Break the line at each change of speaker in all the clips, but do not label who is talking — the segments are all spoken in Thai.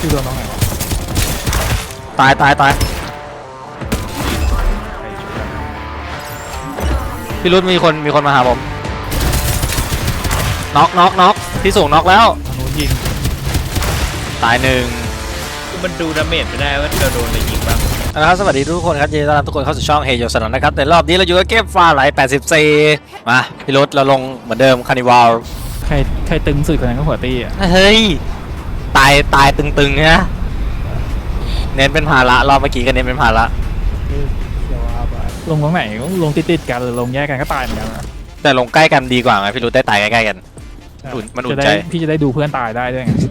ชื่อโดนน้องไหนวะ
ตายพี่รุธมีคนมาหาผมน็อกที่สูงน็อกแล้ว
ทางนู้นยิง
ตายหนึ่ง
มันดูดาเมจไม่ได้ว่าเราโดนอะไรยิงบ้าง
นะครับสวัสดีทุกคนครับยินดีต้อนรับทุกคนเข้าสู่ช่องเฮโยสนนนะครับแต่รอบนี้เราอยู่กับเกมฟ้าไหล84มาพี่รุธเราลงเหมือนเดิมคานิวัล
ใครตึงสุดคนนั้นก็หัวตี้อ่ะ
เฮ้ยตายตึงๆนะเน้นเป็นภาระรอบเมื่อกี้ก็เน้นเป็นภาระ
ลงตรงไหนลงติดกันหรือลงแยกกันก็ตายเหมือนกันนะ
แต่ลงใกล้กันดีกว่าไงพี่รุธได้ตายใกล้ๆกันมันอุ่นใจ
พี่จะได้ดูเพื่อนตายได้ด้วยไง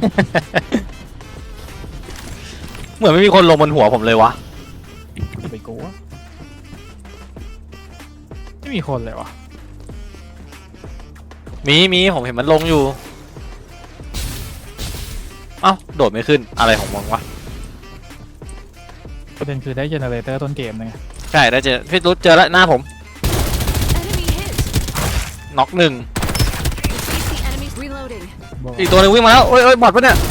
เหมือนไม่มีคนลงบนหัวผมเลยวะ
ไปกูไม่มีคนเลยวะ
มีผมเห็นมันลงอยู่เอ้าโดดไม่ขึ้นอะไรของมึงวะ
ประเด็นคือได้เจเนเรเตอร์ต้นเกมไง
ใช่ได้เจอพี่รุธเจอแล้วหน้าผมน็อกหนึ่งอีกตัวนึงวิ่งมาแล้วโอ้ยบอดปะเนี่ย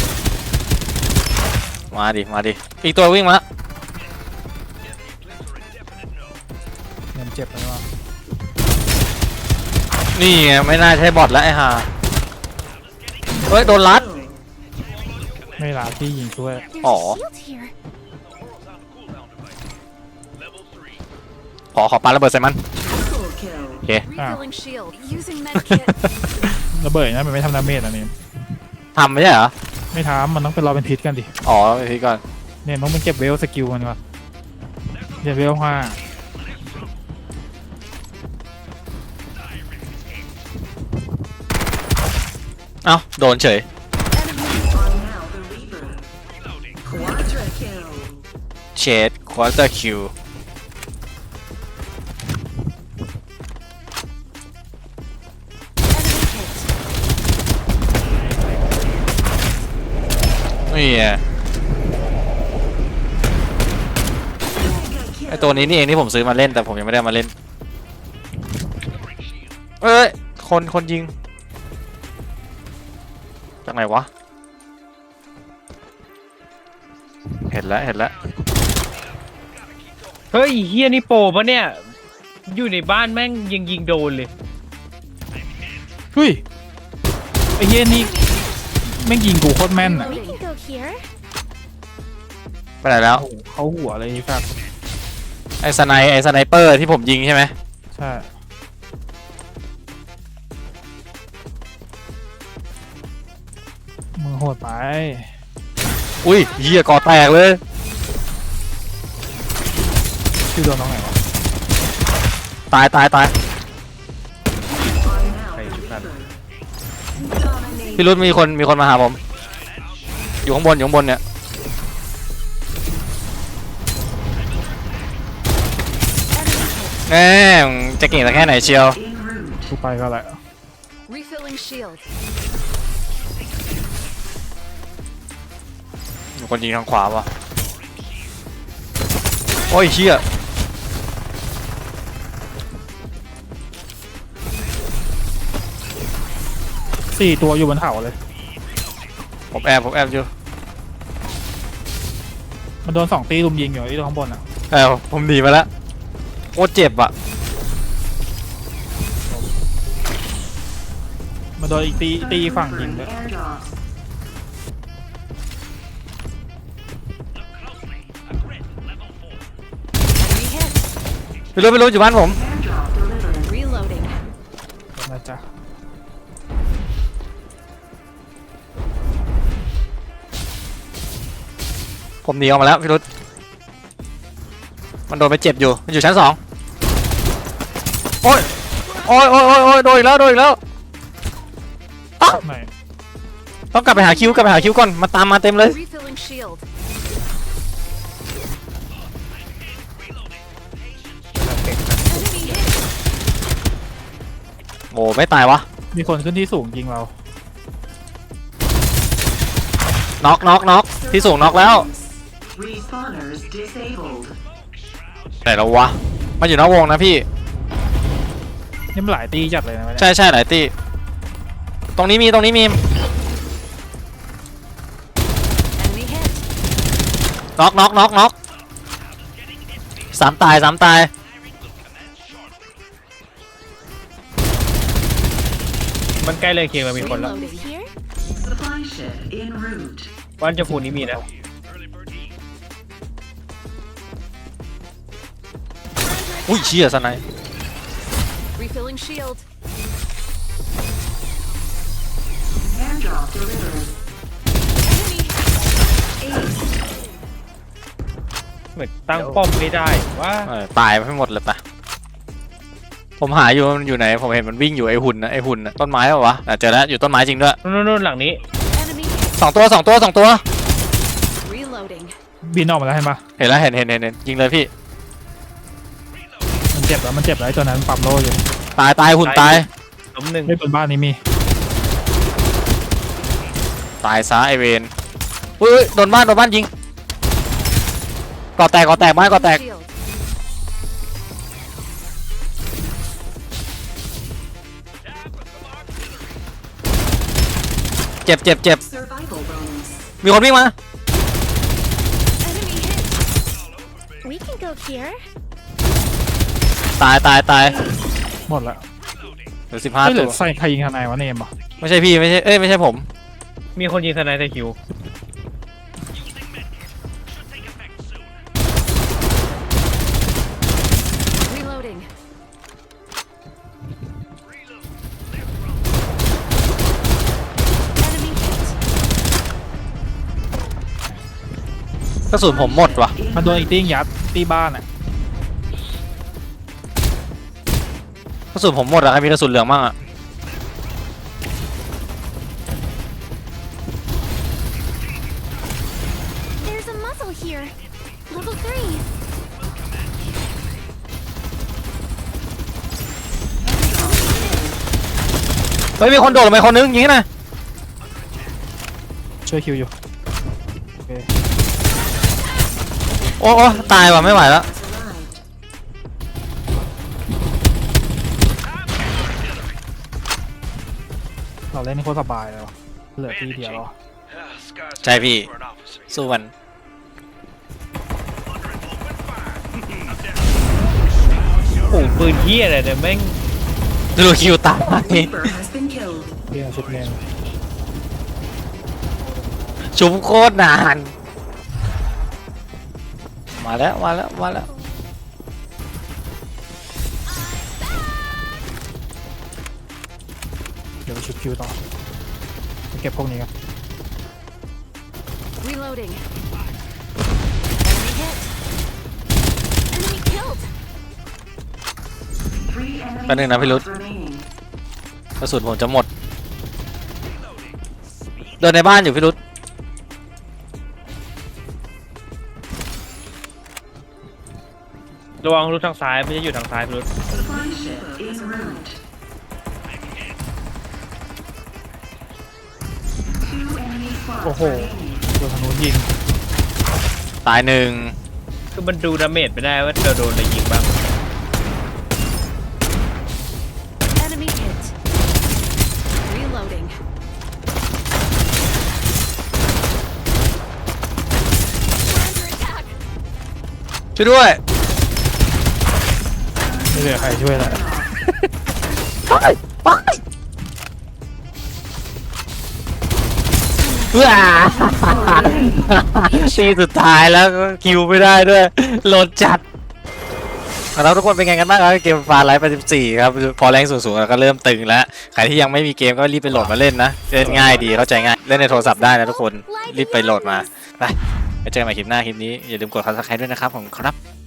มาดิอีกตัววิ่งมาแล้ว
ยังเจ็บเลยวะ
นี่ไงไม่น่าใช่บอทแล้วไอ้ห่าเฮ้ยโดนลัด
ไม่ลาที่ยิงช่วย
อ๋อขอปาระเบิดใส่มันโอเค
ระเบิดนะมันไม่ทำดาเมจอ่ะนี่
ทำไม่ใช่เหรอ
ไม่ทำมันต้องเป็นรอเป็นพิษกันดิ
อ๋อเป็นพิษก่อน
เนี่ยต้องเป็นเก็บเวลสกิลมันก่อนเก็บเวล5
เอ้าโดนเฉยเชดควอเตอร์คิวนี่ไอตัวนี้นี่เองที่ผมซื้อมาเล่นแต่ผมยังไม่ได้มาเล่นเอ้ยคนยิงจากไหนวะเห็นแล้ว
เฮ้ยเฮียนี่โปปะเนี่ยอยู่ในบ้านแม่งยิงโดนเลย
เฮ้ยไอ้เฮียนี่แม่งยิงกูโคตรแม่นอ่ะ
ไปไหนแล้ว
เขาหัวอะไรครับ
ไอ้สไนเปอร์ที่ผมยิงใช่ไหม
ใช่มือโหดไป
อุ้ยเหี้ยก่อแตกเลย
ชื่อโดนน้องไหนวะ
ตายพี่รุธมีคนมาหาผมอยู่ข้างบนเนี่ยแง่จะเก่งแต่แค่ไหนเชียว
กูไปก็แหละ
มีคนยิงทางขวาวะโอ้ยเชี่ย
4 ตัวอยู่บนเขาเลย
ผมแอบอยู่
มันโดน2 ตีลุมยิงอยู่ที่ตรงข้างบนอ่ะ
ผมหนีมาแล้วโคตรเจ็บอ่ะ
มันโดนอีกตีฝั่งยิงเลย
ไม่รู้อยู่บ้านผม
นะจ๊ะ
ผมหนีออกมาแล้วพี่รุธมันโดนไปเจ็บอยู่มันอยู่ชั้น2โอ้ยโดนอีกแล้วต้องกลับไปหาคิวก่อนมาตามมาเต็มเลยโอ้ไม่ตายวะ
มีคนขึ้นที่สูงยิงเรา
น็อกที่สูงน็อกแล้วแต่เราวะมันอยู่นอกวงนะพี่
นี่มันหลายตีจัดเลยนะ
ใช่หลายตีตรงนี้มีน็อกน็อกน็อกน็อกสามตายสามตาย
มันใกล้เลยเคียงมามีคนแล้ว
Reloading here.
Supply ship en route.
บ้านเจ้าฟูนี้มีนะ
อุ้ยเชี่ยสไนป์
Refilling shield.
Airdrop delivered.
Enemy.
เหมือนตั้งป้อมไม่ได้ว่า
ตายไปหมดเลยปะผมหาอยู่มันอยู่ไหนผมเห็นมันวิ่งอยู่ไอหุ่นนะไอหุ่นนะต้นไม้เปล่าวะเจอแล้วอยู่ต้นไม้จริงด้วย
นู่นหลังนี้
Enemy.
สองตัวสองตัวสองตัว
Reloading.
บินออกมาแล้วเห็นปะ
เห็นแล้วเห็นยิงเลยพี่
มันเจ็บแล้วมันเจ็บแล้วไอ้ตัวนั้นปั๊มโลอยู่
ตายตายหุ่นตาย
ล้มหนึ่ง
ไม่บนบ้านนี้มี
ตายซะไอเวนอุ้ยโดนบ้านยิงก่อแตกบ้านก่อแตก
Shield.
เจ็บ
Survival bonus.
มีคนวิ่งมา
Enemy hit. We can go here.
ตาย
หมดละ
เหลือ
ไม่เหลื
15 ตั
อ
ว
ใส่ใครยิงทนายวะเนมเหรอ
ไม่ใช่พี่ไม่ใช่ไม่ใช่ผม
มีคนยิงสไนเปอร์คิว
Reloading. Enemy hit.
กระสุนผมหมดว่ะ
มันโดนอีกติ้งยัดตีบ้านอ่ะ
กระสุนผมหมดอะใครมีกระสุนเหลืองบ้างอะ
There's a muzzle here. Level 3.
เฮ้ยมีคนโดดลงไปคนนึงยิงนะ
ช่วยคิวอยู่โอเค
โอ้ตายว่ะไม่ไหวแล้ว
Has arrived.
เราเล่นนี่โคตรสบายเลยวะเหลือทีเดียวหรอ
ใช่พี่สู้มัน
โอ้โหปืนเฮียอะไรเนี่ยแม่ง
ดูคิวตาย
Reaper has been killed.
เรียนชุดเมน
ชุบโคตรนานมาแล้ว
เดี๋ยวไปชุดคิวต่อไปเก็บพวกนี้ครับ
Reloading. Enemy hit. Enemy killed.
3 enemy
แป๊บนึงนะพี่รุธ
squads remaining.
กระสุนผมจะหมดเดินในบ้านอยู่พี่รุธ
ระวังรูทางซ้ายไม่ใช่อยู่ทางซ้ายรูท
Supply ship en route. 2 enemy squads
โอ้โห
remaining.
โดนธนูยิง
ตายหนึ่ง
คือมันดูดาเมจไม่ได้ว่าเราโดนอะไรยิงบ้าง
Enemy hit. Reloading. We're under attack.
ช่วยด้วย
ไม่เหลือใครช่วยแล้ว
ว้าทีสุดท้ายแล้วก็คิวไม่ได้ด้วยโหลดจัดแล้วทุกคนเป็นไงกันบ้างครับเกมฟาไลฟ์84ครับพอแรงสูงๆแล้วก็เริ่มตึงแล้วใครที่ยังไม่มีเกมก็รีบไปโหลดมาเล่นนะเล่นง่ายดีเข้าใจง่ายเล่นในโทรศัพท์ได้นะทุกคนรีบไปโหลดมาไปเจอกันใหม่คลิปหน้าคลิปนี้อย่าลืมกด Subscribe ด้วยนะครับผมครับ